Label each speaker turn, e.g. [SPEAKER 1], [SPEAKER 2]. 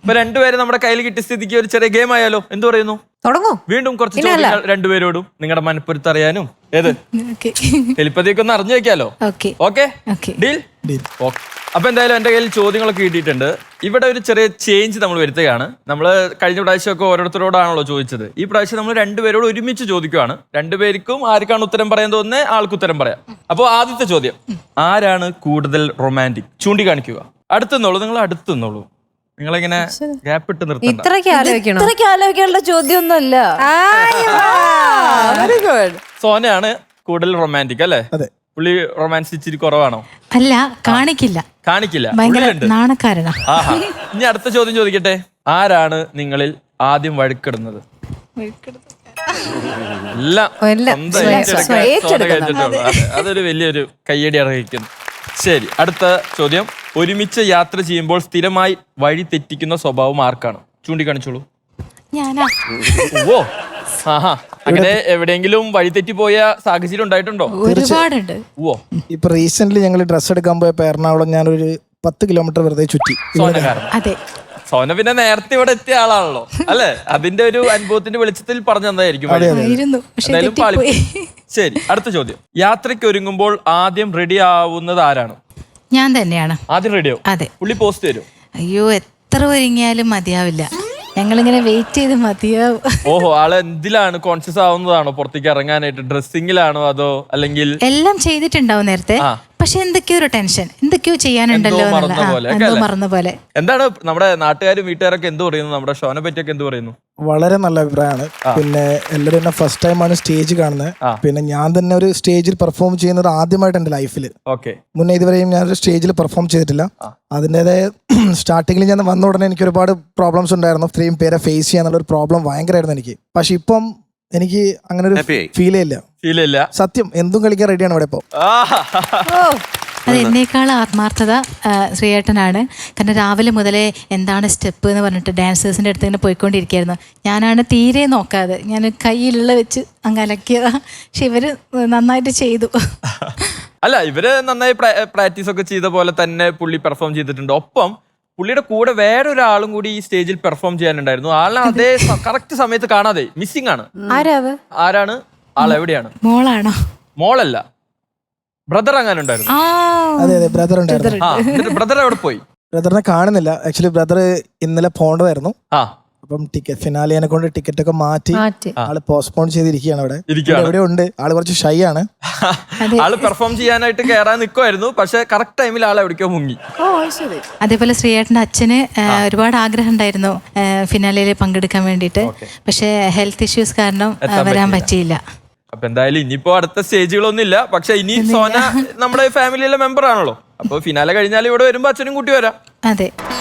[SPEAKER 1] ഇപ്പൊ രണ്ടുപേരും നമ്മുടെ കയ്യിൽ കിട്ടിയ സ്ഥിതിക്ക് ഒരു ചെറിയ ഗെയിം ആയാലോ? എന്ത് പറയുന്നു?
[SPEAKER 2] തുടങ്ങൂ.
[SPEAKER 1] വീണ്ടും കുറച്ച് ചോദ്യങ്ങൾ രണ്ടുപേരോടും നിങ്ങളുടെ മനപ്പൊരുത്ത് അറിയാനും ഏത് എലിപ്പതിയൊക്കെ ഒന്ന് അറിഞ്ഞു വെക്കാലോ. Okay, deal. അപ്പൊ എന്തായാലും എന്റെ കയ്യിൽ ചോദ്യങ്ങളൊക്കെ കിട്ടിയിട്ടുണ്ട്. ഇവിടെ ഒരു ചെറിയ ചേഞ്ച് നമ്മൾ വരുത്തുകയാണ്. നമ്മൾ കഴിഞ്ഞ പ്രാവശ്യമൊക്കെ ഓരോരുത്തരോടാണല്ലോ ചോദിച്ചത്. ഈ പ്രാവശ്യം നമ്മൾ രണ്ടുപേരോട് ഒരുമിച്ച് ചോദിക്കുകയാണ്. രണ്ടുപേർക്കും ആർക്കാണ് ഉത്തരം പറയാൻ തോന്നുന്നത് ആൾക്ക് ഉത്തരം പറയാം. അപ്പോൾ ആദ്യത്തെ ചോദ്യം, ആരാണ് കൂടുതൽ റൊമാൻറ്റിക്? ചൂണ്ടിക്കാണിക്കുക. അടുത്തുന്നുള്ളൂ, നിങ്ങൾ അടുത്തുന്നുള്ളൂ. നിങ്ങളിങ്ങനെ ഗ്യാപ്പ് ഇട്ട് നിർത്തണ്ട.
[SPEAKER 2] ഇത്രയ്ക്ക് ആലോചിക്കാനുള്ള ചോദ്യമൊന്നുമല്ല.
[SPEAKER 1] സോനയാണ് കൂടുതൽ റൊമാൻറ്റിക് അല്ലേ? പുള്ളി റൊമാൻസ് ഇച്ചിരി കുറവാണോ?
[SPEAKER 3] അല്ല, കാണിക്കില്ല. നാണക്കാരനാ.
[SPEAKER 1] ആഹാ. ഇനി അടുത്ത ചോദ്യം ചോദിക്കട്ടെ. ആരാണ് നിങ്ങളിൽ ആദ്യം വഴക്കിടുന്നത്? അതൊരു വലിയൊരു കയ്യടി അർഹിക്കുന്നു. ശരി, അടുത്ത ചോദ്യം. ഒരുമിച്ച് യാത്ര ചെയ്യുമ്പോൾ സ്ഥിരമായി വഴി തെറ്റിക്കുന്ന സ്വഭാവം ആർക്കാണ്? ചൂണ്ടിക്കാണിച്ചോളൂ.
[SPEAKER 3] ഞാനാ.
[SPEAKER 1] ഓ, ആഹാ. അങ്ങനെ എവിടെയെങ്കിലും വഴി തെറ്റി പോയ സാഹചര്യം ഉണ്ടായിട്ടുണ്ടോ?
[SPEAKER 3] ഒരുപാടുണ്ട്.
[SPEAKER 1] ഓ,
[SPEAKER 4] ഇപ്പൊ റീസെന്റ് ഞങ്ങൾ ഡ്രസ് എടുക്കാൻ പോയപ്പോ എറണാകുളം ഞാനൊരു 10 കിലോമീറ്റർ വെറുതെ ചുറ്റി.
[SPEAKER 3] അതെ,
[SPEAKER 1] സോന പിന്നെ നേരത്തെ ഇവിടെ എത്തിയ ആളാണല്ലോ അല്ലെ? അതിന്റെ ഒരു അനുഭവത്തിന്റെ വെളിച്ചത്തിൽ പറഞ്ഞു തന്നതായിരിക്കും. ശരി, അടുത്ത ചോദ്യം. യാത്രയ്ക്ക് ഒരുങ്ങുമ്പോൾ ആദ്യം റെഡി ആവുന്നത് ആരാണ്?
[SPEAKER 3] ഞാൻ തന്നെയാണ്
[SPEAKER 1] ആദ്യം റെഡിയാവും.
[SPEAKER 3] അതെ.
[SPEAKER 1] പുള്ളി പോസ്റ്റ് തരും.
[SPEAKER 3] അയ്യോ, എത്ര ഒരുങ്ങിയാലും മതിയാവില്ല. ഞങ്ങളിങ്ങനെ വെയിറ്റ് ചെയ്ത് മതിയാവും.
[SPEAKER 1] ഓഹോ, ആള് എന്തിലാണ് കോൺഷ്യസ് ആവുന്നതാണോ പുറത്തേക്ക് ഇറങ്ങാനായിട്ട്? ഡ്രസ്സിങ്ങിലാണോ അതോ അല്ലെങ്കിൽ?
[SPEAKER 3] എല്ലാം ചെയ്തിട്ടുണ്ടാവും നേരത്തെ, പക്ഷെ എന്തൊക്കെയോ ഒരു ടെൻഷൻ, എന്തൊക്കെയോ ചെയ്യാനുണ്ടല്ലോ, മറന്ന പോലെ.
[SPEAKER 1] എന്താണ് നമ്മുടെ നാട്ടുകാരും വീട്ടുകാരൊക്കെ എന്ത് പറയുന്നു? നമ്മുടെ ഷോനെ പറ്റിയൊക്കെ എന്ത് പറയുന്നു?
[SPEAKER 4] വളരെ നല്ല അഭിപ്രായമാണ്. പിന്നെ എല്ലാവരും എന്നെ ഫസ്റ്റ് ടൈമാണ് സ്റ്റേജ് കാണുന്നത്. പിന്നെ ഞാൻ തന്നെ ഒരു സ്റ്റേജിൽ പെർഫോം ചെയ്യുന്നത് ആദ്യമായിട്ട് എന്റെ ലൈഫിൽ. മുന്നേ ഇതുവരെയും ഞാനൊരു സ്റ്റേജിൽ പെർഫോം ചെയ്തിട്ടില്ല. അതിൻ്റെതായ സ്റ്റാർട്ടിങ്ങിൽ ഞാൻ വന്ന ഉടനെ എനിക്ക് ഒരുപാട് പ്രോബ്ലംസ് ഉണ്ടായിരുന്നു. ഇത്രയും പേരെ ഫേസ് ചെയ്യാന്നുള്ള ഒരു പ്രോബ്ലം ഭയങ്കരമായിരുന്നു എനിക്ക്. പക്ഷെ ഇപ്പം എനിക്ക് അങ്ങനെ ഒരു ഫീലേ ഇല്ല. സത്യം, എന്തും കളിക്കാൻ റെഡിയാണ് ഇവിടെ ഇപ്പൊ.
[SPEAKER 3] അത് എന്നേക്കാൾ ആത്മാർത്ഥത ശ്രീയേട്ടനാണ്. കാരണം രാവിലെ മുതലേ എന്താണ് സ്റ്റെപ്പ് എന്ന് പറഞ്ഞിട്ട് ഡാൻസേഴ്സിൻ്റെ അടുത്ത് ഇങ്ങനെ പോയിക്കൊണ്ടിരിക്കുകയായിരുന്നു. ഞാനാണ് തീരെ നോക്കാതെ, ഞാൻ കയ്യിലുള്ള വെച്ച് അങ്ങ് അലക്കിയതാ. പക്ഷെ ഇവര് നന്നായിട്ട് ചെയ്തു.
[SPEAKER 1] അല്ല, ഇവര് നന്നായി പ്രാക്ടീസ് ഒക്കെ ചെയ്ത പോലെ തന്നെ പുള്ളി പെർഫോം ചെയ്തിട്ടുണ്ട്. ഒപ്പം പുള്ളിയുടെ കൂടെ വേറൊരാളും കൂടി ഈ സ്റ്റേജിൽ പെർഫോം ചെയ്യാനുണ്ടായിരുന്നു. ആളെ അതേ കറക്റ്റ് സമയത്ത് കാണാതെ മിസ്സിംഗ് ആണ്. ആരാണ് ആൾ? എവിടെയാണ്?
[SPEAKER 3] മോളാണോ?
[SPEAKER 1] മോളല്ല, ബ്രദർ അങ്ങനെ ഉണ്ടായിരുന്നു.
[SPEAKER 4] അതെ, ബ്രദർ ഉണ്ടായിരുന്നു.
[SPEAKER 1] ബ്രദർ എവിടെ പോയി?
[SPEAKER 4] ബ്രദറിനെ കാണുന്നില്ല. ആക്ച്വലി ബ്രദർ ഇന്നലെ പോകേണ്ടതായിരുന്നു. അപ്പം ടിക്കറ്റ് ഫിനാലിയെ കൊണ്ട് ടിക്കറ്റ് ഒക്കെ മാറ്റി ആള് പോസ്റ്റ്പോൺ ചെയ്തിരിക്കുകയാണ്. ഇവിടെ ഉണ്ട്. ആള് കുറച്ച് ഷൈ ആണ്.
[SPEAKER 1] ആള് പെർഫോം ചെയ്യാനായിട്ട് കയറാൻ നിൽക്കുമായിരുന്നു. പക്ഷെ കറക്റ്റ് ടൈമിൽ ആൾ എവിടേക്കോ മുങ്ങി.
[SPEAKER 3] അതേപോലെ ശ്രീയേട്ടന്റെ അച്ഛന് ഒരുപാട് ആഗ്രഹം ഉണ്ടായിരുന്നു ഫിനാലയിൽ പങ്കെടുക്കാൻ വേണ്ടിയിട്ട്. പക്ഷെ ഹെൽത്ത് ഇഷ്യൂസ് കാരണം വരാൻ പറ്റിയില്ല.
[SPEAKER 1] അപ്പൊ എന്തായാലും ഇനിയിപ്പോ അടുത്ത സ്റ്റേജുകളൊന്നും ഇല്ല. പക്ഷെ ഇനി സോന നമ്മുടെ ഫാമിലിയിലെ മെമ്പർ ആണല്ലോ. അപ്പൊ ഫിനാലെ കഴിഞ്ഞാൽ ഇവിടെ വരുമ്പോ അച്ഛനും കൂട്ടി വരാം.
[SPEAKER 3] അതെ.